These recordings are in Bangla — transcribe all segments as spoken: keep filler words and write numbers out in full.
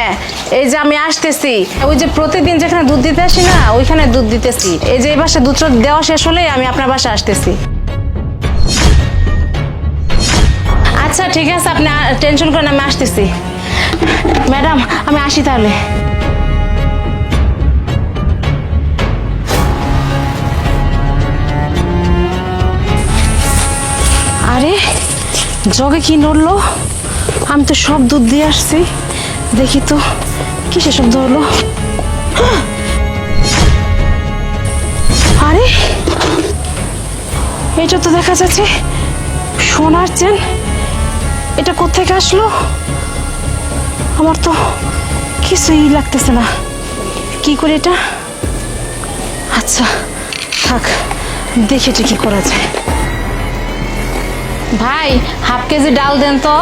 এই যে আমি আসতেছি, ওই যে প্রতিদিন যেখানে দুধ দিতে আসি না ওইখানে দুধ দিতেছি। এই যে এই বাসায় দুধ দেওয়া শেষ হলেই আমি আপনার বাসায় আসতেছি। আচ্ছা ঠিক আছে, আপনি টেনশন করেন, আমি আসতেছি। ম্যাডাম আমি আসি তাহলে। আরে জগে কি নড়লো? আমি তো সব দুধ দিয়ে আসছি, দেখি তো কিসে শব্দ হলো। আরে এটা তো দেখা যাচ্ছে সোনার চেন। এটা কোত্থেকে আসলো? আমার তো কিছুই লাগতেছে না, কি করে এটা? আচ্ছা থাক, দেখে কি করা যায়। ভাই হাফ কেজি ডাল দেন তো।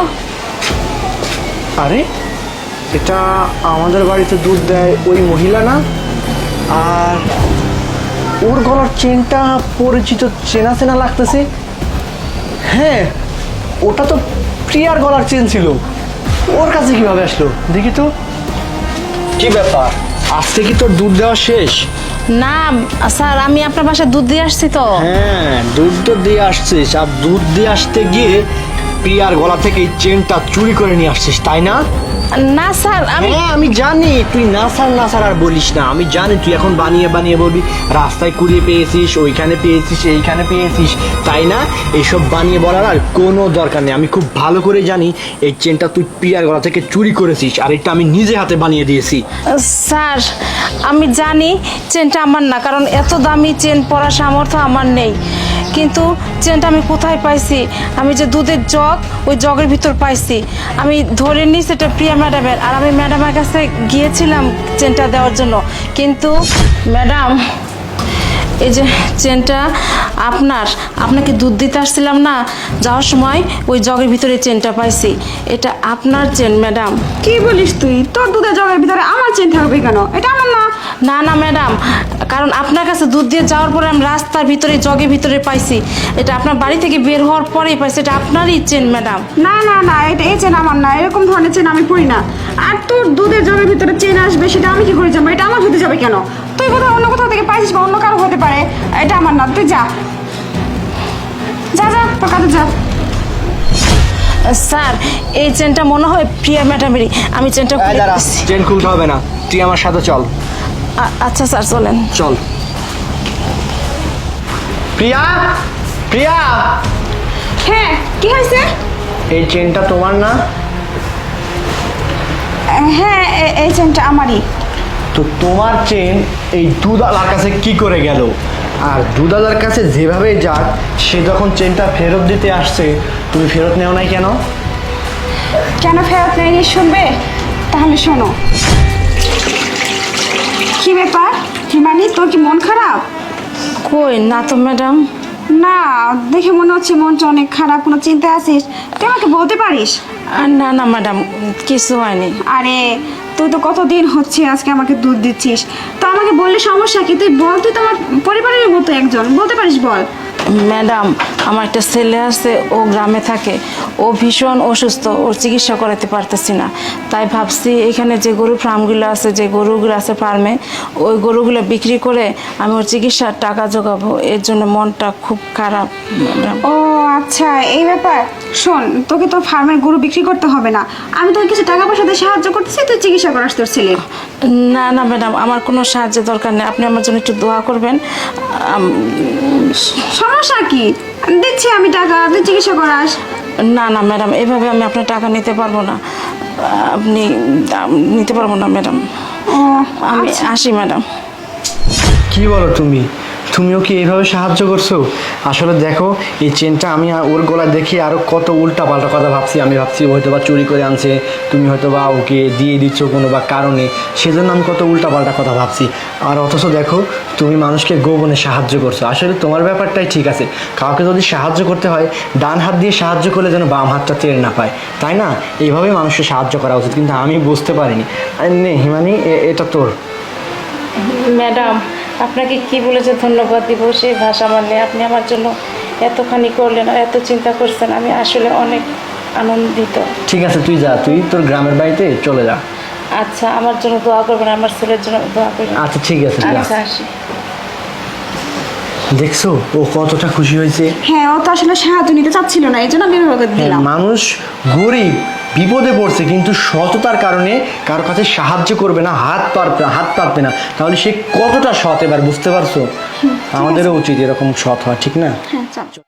আরে এটা আমাদের বাড়িতে দুধ দেয় ওই মহিলা না? আর ওর গলার চেনটা পরিচিত, চেনা চেনা লাগতেছে। হ্যাঁ, ওটা তো প্রিয়ার গলার চেন ছিল। ওর কাছে কিভাবে আসলো দেখি তো। কি ব্যাপার, আজকে কি তোর দুধ দেওয়া শেষ? না স্যার, আমি আপনার বাসায় দুধ দিয়ে আসছি তো। হ্যাঁ, দুধ তো দিয়ে আসছিস, আর দুধ দিয়ে আসতে গিয়ে প্রিয়ার গলা থেকে এই চেনটা চুরি করে নিয়ে আসছিস, তাই না? না স্যার, আমি হ্যাঁ আমি জানি তুই না স্যার না স্যার আর বলিস না। আমি জানি তুই এখন বানিয়ে বানিয়ে বলবি রাস্তায় কুড়িয়ে পেয়েছিস, ওইখানে পেয়েছিস, এইখানে পেয়েছিস, তাই না? এইসব বানিয়ে বলার আর কোনো দরকার নেই। আমি খুব ভালো করে জানি এই চেনটা তুই প্রিয়ার গলা থেকে চুরি করেছিস, আর এটা আমি নিজে হাতে বানিয়ে দিয়েছি। স্যার আমি জানি চেনটা আমার না, কারণ এত দামি চেন পরার সামর্থ্য আমার নেই। কিন্তু চেনটা আমি কোথায় পাইছি? আমি যে দুধের জগ, ওই জগের ভিতর পাইছি। আমি ধরে নিই সেটা প্রিয়া ম্যাডামের, আর আমি ম্যাডামের কাছে গিয়েছিলাম চেনটা দেওয়ার জন্য। কিন্তু ম্যাডাম এই যে চেনটা আপনার, আপনাকে দুধ দিতে আসছিলাম না, যাওয়ার সময় ওই জগের ভিতরে চেনটা পাইছি। এটা আপনার চেন ম্যাডাম। কি বলিস তুই? তোর দুধের জগের ভিতরে আমার চেন থাকবে কেন? এটা আমার না। না না ম্যাডাম, কারণ আপনার কাছে দুধ দিয়ে যাওয়ার পরে আমি রাস্তার ভিতরে জগের ভিতরে পাইছি। এটা আপনার বাড়ি থেকে বের হওয়ার পরেই পাইছি। এটা আপনারই চেন ম্যাডাম। না না না, এটা এই চেন আমার না। এরকম ধরনের চেন আমি পরি না। আর তোর দুধের জগের ভিতরে চেন আসবে সেটা আমি কি করে জানবো? এটা আমার হতে যাবে কেন? তুই কোথাও অন্য কোথাও থেকে পাইছিস বা অন্য কারো হতে পারে। এটা আমার না, তুই যা যা যা তোর কাছে যা। স্যার এই চেনটা মনে হয় প্রিয়া ম্যাডামেরই। আমি চেনটা খুলে দিচ্ছি। চেন খুলতে হবে না, তুই আমার সাথে চল। আ- আচ্ছা স্যার চলেন। চল। প্রিয়া, প্রিয়া, হ্যাঁ কি হয়েছে? এই চেনটা তোমার না? হ্যাঁ এ- এই চেনটা আমারই। তো তোমার চেন এই দুধালার কাছে কি করে গেল? আর দুধালার কাছে যেভাবে যাক, সে যখন চেনটা ফেরত দিতে আসছে তুমি ফেরত নেও নাই কেন? কেন ফেরত নেয়নি শুনবে? তাহলে শোনো। কি ব্যাপার হিমানি, তোর কি মন খারাপ? কই না তো ম্যাডাম। না, দেখে মনে হচ্ছে মনটা অনেক খারাপ। কোনো চিন্তা আছিস? তুই আমাকে বলতে পারিস। আর না না ম্যাডাম, কিছু হয়নি। আরে তুই তো কতদিন হচ্ছে আজকে আমাকে দুধ দিচ্ছিস, তো আমাকে বললে সমস্যা কি? তুই বল, তুই তোমার পরিবারের মতো একজন, বলতে পারিস, বল। ম্যাডাম আমার একটা ছেলে আছে, ও গ্রামে থাকে, ও ভীষণ অসুস্থ, ওর চিকিৎসা করাতে পারতেছি না। তাই ভাবছি এখানে যে গরু ফার্মগুলো আছে, যে গরুগুলো আছে ফার্মে, ওই গরুগুলো বিক্রি করে আমি ওর চিকিৎসার টাকা জোগাবো। এর জন্য মনটা খুব খারাপ ম্যাডাম। ও আচ্ছা এই ব্যাপার। শোন, তোকে তোর ফার্মের গরু বিক্রি করতে হবে না। আমি তোকে কিছু টাকা পয়সা দিয়ে সাহায্য করতেছি, তুই চিকিৎসা করাস তোর ছেলের। না না ম্যাডাম, আমার কোনো সাহায্যের দরকার নেই। আপনি আমার জন্য একটু দোয়া করবেন। আম, সমস্যা কি? দিচ্ছি আমি টাকা, তুই চিকিৎসা করাস। না না ম্যাডাম, এভাবে আমি আপনার টাকা নিতে পারবো না। আপনি আম, নিতে পারবো না ম্যাডাম। ও আমি আচ্ছা। আসি ম্যাডাম। কি বলো তুমি? তুমিও কি এইভাবে সাহায্য করছো? আসলে দেখো, এই চেনটা আমি ওর গলায় দেখে আরও কত উল্টা পাল্টা কথা ভাবছি। আমি ভাবছি ও হয়তো বা চুরি করে আনছে, তুমি হয়তো বা ওকে দিয়ে দিচ্ছ কোনো বা কারণে, সেজন্য আমি কত উল্টা পাল্টা কথা ভাবছি। আর অথচ দেখো, তুমি মানুষকে গোপনে সাহায্য করছো। আসলে তোমার ব্যাপারটাই ঠিক আছে। কাউকে যদি সাহায্য করতে হয়, ডান হাত দিয়ে সাহায্য করলে যেন বাম হাতটা টের না পায়, তাই না? এইভাবেই মানুষকে সাহায্য করা উচিত। কিন্তু আমি বুঝতে পারিনি। আরে নে হিমানি, এটা তোর। ম্যাডাম আপনাকে কি বলেছে ধন্যবাদ দিব সেই ভাষা আমার নেই। আপনি আমার জন্য এতখানি করলেন আর এত চিন্তা করছেন, আমি আসলে অনেক আনন্দিত। ঠিক আছে, তুই যা, তুই তোর গ্রামের বাড়িতে চলে যা। আচ্ছা আমার জন্য দোয়া করবেন, আমার ছেলের জন্য দোয়া করবেন। আচ্ছা ঠিক আছে যা। আচ্ছা আসি। দেখছো ও কতটা খুশি হয়েছে। হ্যাঁ ও তো আসলে সাহায্য নিতে চাচ্ছিল না, এই জন্য আমি এভাবে হ্যাঁ, দিলাম। মানুষ গরিব বিপদে পড়ছে কিন্তু সততার কারণে কারো কাছে সাহায্য করবে না, হাত পারবে হাত পাতবে না, তাহলে সে কতটা সৎ এবার বুঝতে পারছো। আমাদেরও উচিত এরকম সৎ হওয়া, ঠিক না? হ্যাঁ চল।